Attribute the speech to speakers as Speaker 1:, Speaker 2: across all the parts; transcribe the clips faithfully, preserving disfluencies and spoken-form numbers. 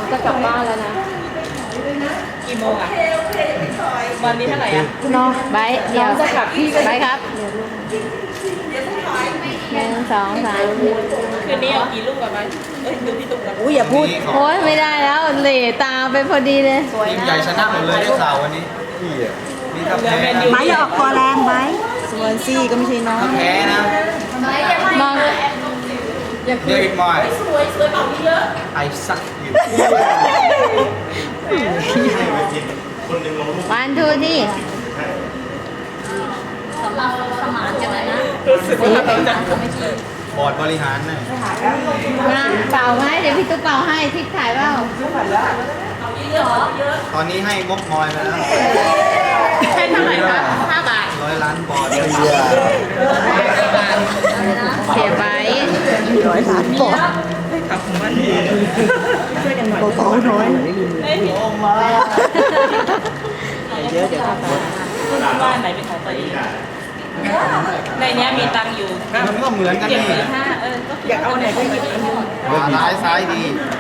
Speaker 1: จะกลับบ้านแล้วนะ
Speaker 2: กี่โมงอ่ะวันนี้เท่าไหร่อ่ะ
Speaker 1: น้องไบเดี๋ยวจะกลับพี่ไบครับหนึ่งสองสาม
Speaker 2: คืนนี้เอากี่ลูกกับมันเอ้ยดูพี่ตุ๊กกัน
Speaker 1: อุ้ยอย่าพูดโอ้ยไม่ได้แล้วเหล่ตาไปพอดีเลย
Speaker 3: ทีมใหญ่ชนะหมดเลยได้ข่าววันนี้พี่อ่ะนี่ถ้าแพ้นะ
Speaker 4: ไม้อย่าออกคอแรงไม้ส่วนซี่ก็ไม่ใช่น้อง
Speaker 3: ถ้าแพ้นะ
Speaker 1: มอง
Speaker 3: เดวิดมอยสวยสวยเปล่าเยอะไอซักอยู่
Speaker 1: วันทูที่
Speaker 2: รู้สึกว่าเราจะ
Speaker 3: บอร์ดบริหารนะ
Speaker 1: มาเป่าไหมเดี๋ยวพี่ตุ๊กเป่าให้ทิศถ่ายเปล่า
Speaker 3: ตอนนี้ให้งบมอยไปแล้ว
Speaker 2: ให้เท่าไหร่คะห้าบาท
Speaker 3: ร้อยล้านบอร์ด
Speaker 1: เสียไป
Speaker 4: ร้อยล้านปอนด์
Speaker 2: ขับของมันช่วยกันหน่อย
Speaker 4: เบาๆน้อย
Speaker 2: เฮ้ย
Speaker 3: โอ้มา
Speaker 4: เยอะเดี๋ยวทำไป
Speaker 2: บ้านไหนเป็นของตัวเองในนี้มีตังค์อยู่
Speaker 3: มันก็เหมือนกัน
Speaker 2: เจ็ด
Speaker 3: นี่
Speaker 2: หมื่นห้าเอออยากเอาไหนก็หยิบอันนึง
Speaker 3: ขวาร้ายซ้ายดี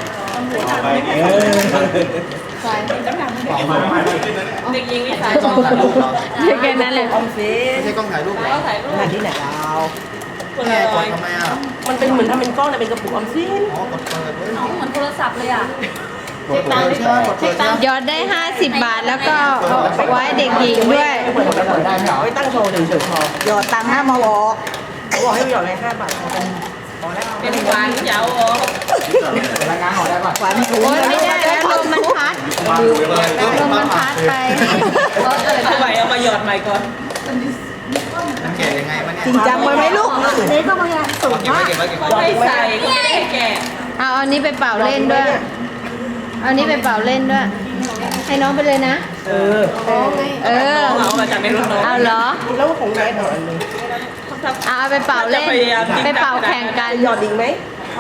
Speaker 1: ใส่
Speaker 2: เด็กยิงวิสัย
Speaker 3: กล้องถ่ายรูปเหรอ
Speaker 1: แค่นั้นเลย
Speaker 4: ออมสิน
Speaker 3: ไม่ใช่กล้องถ่ายรูปเหรอ
Speaker 2: เขาถ่ายรูป
Speaker 4: งานที่ไหนเรา
Speaker 2: คน
Speaker 3: แม่
Speaker 2: ละ
Speaker 3: ก
Speaker 2: ร้อ
Speaker 3: ด
Speaker 2: ย
Speaker 3: ทำไมอ่ะ
Speaker 4: มันเป็นเหมือนทำเป็นกล้องแต่เป็นกระปุกออมสิน
Speaker 3: อ๋อกดเปิดเว้ย
Speaker 2: เหมือนโทรศัพท์เลยอ่ะ
Speaker 3: กดเปิดใช่ไหมกดเปิดใช่ไหม
Speaker 1: ยอดได้ห้าสิบบาทแล้วก็ไว้เด็กหญิงด้วย
Speaker 4: เปิดเปิดได้ไหมเหรอไม่ตั้งโชว์เฉยๆพอหยอดตังค์ห้ามาบอกเขาบอกให้หยอดเลยห้าบาทพอเป็น
Speaker 2: เป็นหวานเจ้าอ๋อ
Speaker 3: รายงานออกได้ป่ะ
Speaker 4: หวานถู
Speaker 1: โอ้ยไม่ได้แล้วลมมันพัดลมมันพัดไป
Speaker 2: เอาใหม่เอามาหยอดใหม่ก่อน
Speaker 3: มันแก่ยังไงมันเนี่ย
Speaker 4: จริงจังไว้ไหมลูกนี่ก็มาสูง
Speaker 3: เก็บไว้
Speaker 4: มาก
Speaker 3: เก็บไว้เก็บไว้
Speaker 2: ก็ให้ใส่ก็ไม่ได้แก่
Speaker 1: เอาอันนี้ไปเป่าเล่นด้วย เอาอันนี้ไปเป่าเล่นด้วย ให้น้องไปเลยนะ
Speaker 4: เออ
Speaker 1: เออ
Speaker 2: เอามาจากในรถน้อง
Speaker 1: เอาเหรอ
Speaker 4: แล้วของแม่หน่อยอันนึง
Speaker 1: เอาเอาไปเป่าเล่น ไปเป่าแข่งกัน
Speaker 4: หยอดอีกไหม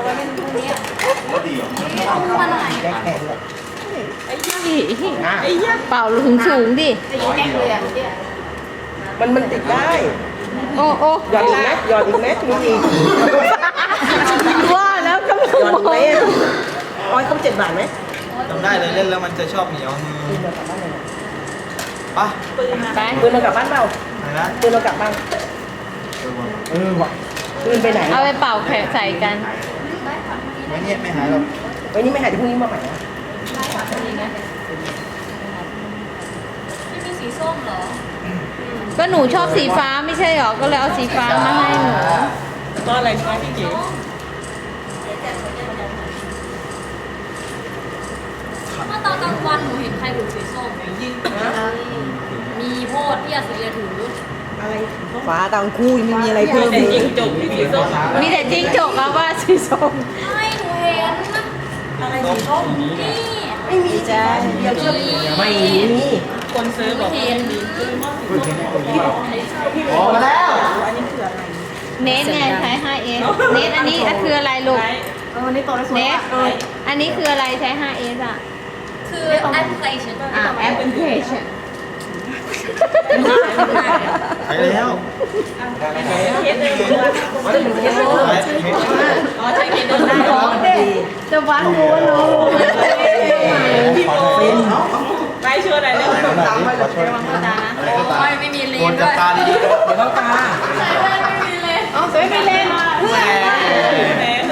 Speaker 4: ได้แข่งเลย
Speaker 2: ไอ้ยักษ์
Speaker 1: เป่าถึงสูงดิ
Speaker 4: มันมันติดได้
Speaker 1: โอ้โอ้
Speaker 4: หยอดอีกไหมหยอดอีกไหมมีอีก
Speaker 1: ว่าแล้วก็
Speaker 4: หยอดอีกไหมร้อยต้องเจ็ดบาทไหม
Speaker 3: จำได้เลยเล่นแล้วมันจะชอบเหนียวมือปะ
Speaker 2: ปืนมา
Speaker 1: ไป
Speaker 4: ปืนเรากลับบ้านเปล่า
Speaker 3: อะไรนะ
Speaker 4: ปืนเรากลับบ้าน
Speaker 3: เออว่ะ
Speaker 4: ปืนไปไหน
Speaker 1: เอาไปเป่าแข่งใส่กัน
Speaker 3: ไม่เนี่ยไม่หายหรอก
Speaker 4: ไว้นี่ไม่หายเดี๋ยวพรุ่งนี้มาใหม่นะ
Speaker 2: ไม่มีสีส้มเหรอ
Speaker 1: ก็หนูชอบสีฟ้าไม่ใช่หรอ ก็เลยเอาสีฟ้ามาให้หนู
Speaker 2: ก็อะไรคะพี่จิ๋ว
Speaker 5: เมื่อตอนกลางวันหนูเห็นใครถือสีส้มยิงมีโพดที่อาศิเรียถือ
Speaker 4: อะไรฟ้าตังคู่ยังไม่มีอะไรเพิ่ม
Speaker 2: แต่
Speaker 4: เล
Speaker 2: จริ
Speaker 4: ย
Speaker 2: งจบที่สีส้ม
Speaker 1: มีแต่จิ้งจกเอาว่าสีส้ม
Speaker 5: ไม่หนูเห็น
Speaker 2: อะไรสีส้ม
Speaker 5: นี่
Speaker 4: ไม่มีจ้าเดี๋ยวจะไม่มี
Speaker 2: คนซื้อบอก
Speaker 5: เห็น
Speaker 3: ออกมาแล้ว
Speaker 1: เนสไงใช้ ไฮเอส เนสอันนี้คืออะไรลูก
Speaker 4: เออนี่โตได้สวย
Speaker 1: เนสอันนี้คืออะไรใช้ ไฮเอสอ่ะ
Speaker 5: คือแอปพลิเคชัน
Speaker 1: อ่าแอปพลิเคชัน
Speaker 3: ไปแล้ว
Speaker 2: เคสเดิมอ๋อใช้เคสเดิมได้เหรอ
Speaker 1: จะวัดรู้ว่าน้อง
Speaker 2: พี่โมไม่ช่วยอะไรเลย
Speaker 3: ตามไปเลย
Speaker 5: โอ้ยไม่มีเล
Speaker 3: โก
Speaker 5: น
Speaker 3: น
Speaker 5: ด้
Speaker 3: จั
Speaker 5: ว
Speaker 3: บ
Speaker 5: ย
Speaker 3: ตาดีๆ
Speaker 4: เดี๋ยวเราตา
Speaker 5: ไม่มีเลน
Speaker 1: อ๋อสวยไปเล่น
Speaker 3: แหม
Speaker 2: แหมเลย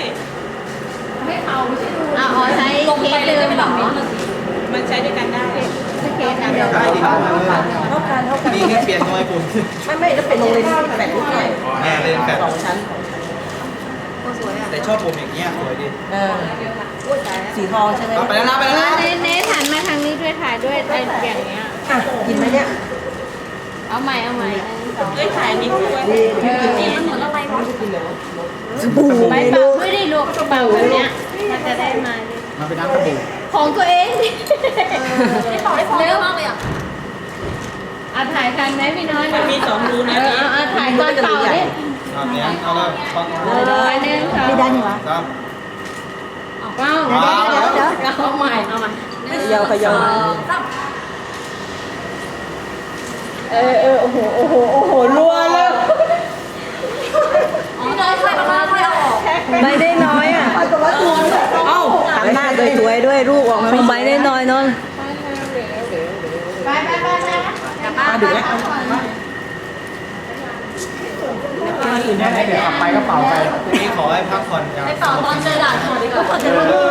Speaker 1: อ่ะอ๋อใช้
Speaker 5: ลง
Speaker 1: เค
Speaker 5: ไป
Speaker 1: ส
Speaker 5: เลย
Speaker 1: เดิ
Speaker 5: ไม่
Speaker 1: ม
Speaker 5: เป็น
Speaker 1: เห
Speaker 5: ห
Speaker 1: ร
Speaker 5: ลั
Speaker 1: อบ
Speaker 5: นิดนึง
Speaker 2: มันใช้ด้วยกันได้
Speaker 1: ใช้เคสอันเดียว
Speaker 3: ได้ดีครับ
Speaker 4: เท่ากันเท่ากัน
Speaker 3: นี่นี่เปลี่ยนหน่วยปุ่น
Speaker 4: ไม่ไม่แล้วเป็นโรงเรียนที่แบบนี้หน่อย
Speaker 3: แม่เล่นแบบ
Speaker 4: สองชั้น
Speaker 3: แต่ชอบปุ่มอย่างเงี้ยสวยดี
Speaker 4: เออสีทองใช่ไหม
Speaker 3: เอาไปแล้วนะไป
Speaker 1: เอ
Speaker 3: แล้ว
Speaker 1: อ
Speaker 3: นะ
Speaker 1: เนสเนสหันมาทางนี้ด้วยถ่ายด้วยไอ้อย่างเงี้ย
Speaker 4: อ่ะกินไหมเนี่ย
Speaker 1: เอาใหม่เอาใหม่อันนี้สอง
Speaker 2: เอ้ยถ่ายนิดด้วย
Speaker 1: เออ
Speaker 5: นี่มันเหมือนอะไรวะ
Speaker 4: สบู่
Speaker 1: ไป
Speaker 4: ไม่
Speaker 1: เป่า
Speaker 4: รู้
Speaker 1: ด้วยดิลูกเป่าแบบเนี้ยมันจะได้มาดิ
Speaker 3: มันเป็นน้ำสบู่
Speaker 1: ของตัวเองดิ
Speaker 5: ไม่ต่อได้ฟองเยอะมากเลยอ่ะ
Speaker 1: อ่ะถ่ายทันไหมพี่น้อย
Speaker 2: มันมีสองรู
Speaker 1: เอ
Speaker 2: นะ
Speaker 1: อเอาเอาถ่ายตอนเป่าดิ
Speaker 3: เอาเนี่ยเอาแล้วฟัง
Speaker 1: เออไปหนึ่งสอง
Speaker 4: ไม่ได้นี่วะ
Speaker 3: ครับ
Speaker 1: ว้าวเดี๋ยวเดี๋ยวเดี๋ยวเดี๋ยวเอาใหม่เอาใหม่
Speaker 4: ขยาวขยาว เออเออโอ้โหโอ้โหโอ้โหรัวเลย
Speaker 5: อ๋อน้อยใครมาบ้างไม่เอาออก
Speaker 4: ไม่ได้น้อยอ่ะเอ้าหันหน้าสวยๆด้วยรูปออกมา
Speaker 1: ของใบได้น้อยเนาะ
Speaker 5: ไปไปไปไปกลับบ้าน
Speaker 4: ดึกแล้ว
Speaker 3: พรุ่งนี้ขอให้พักผ่อนอย่าง
Speaker 5: ไปต่อตอนเจอด่านก่อนดีกว่า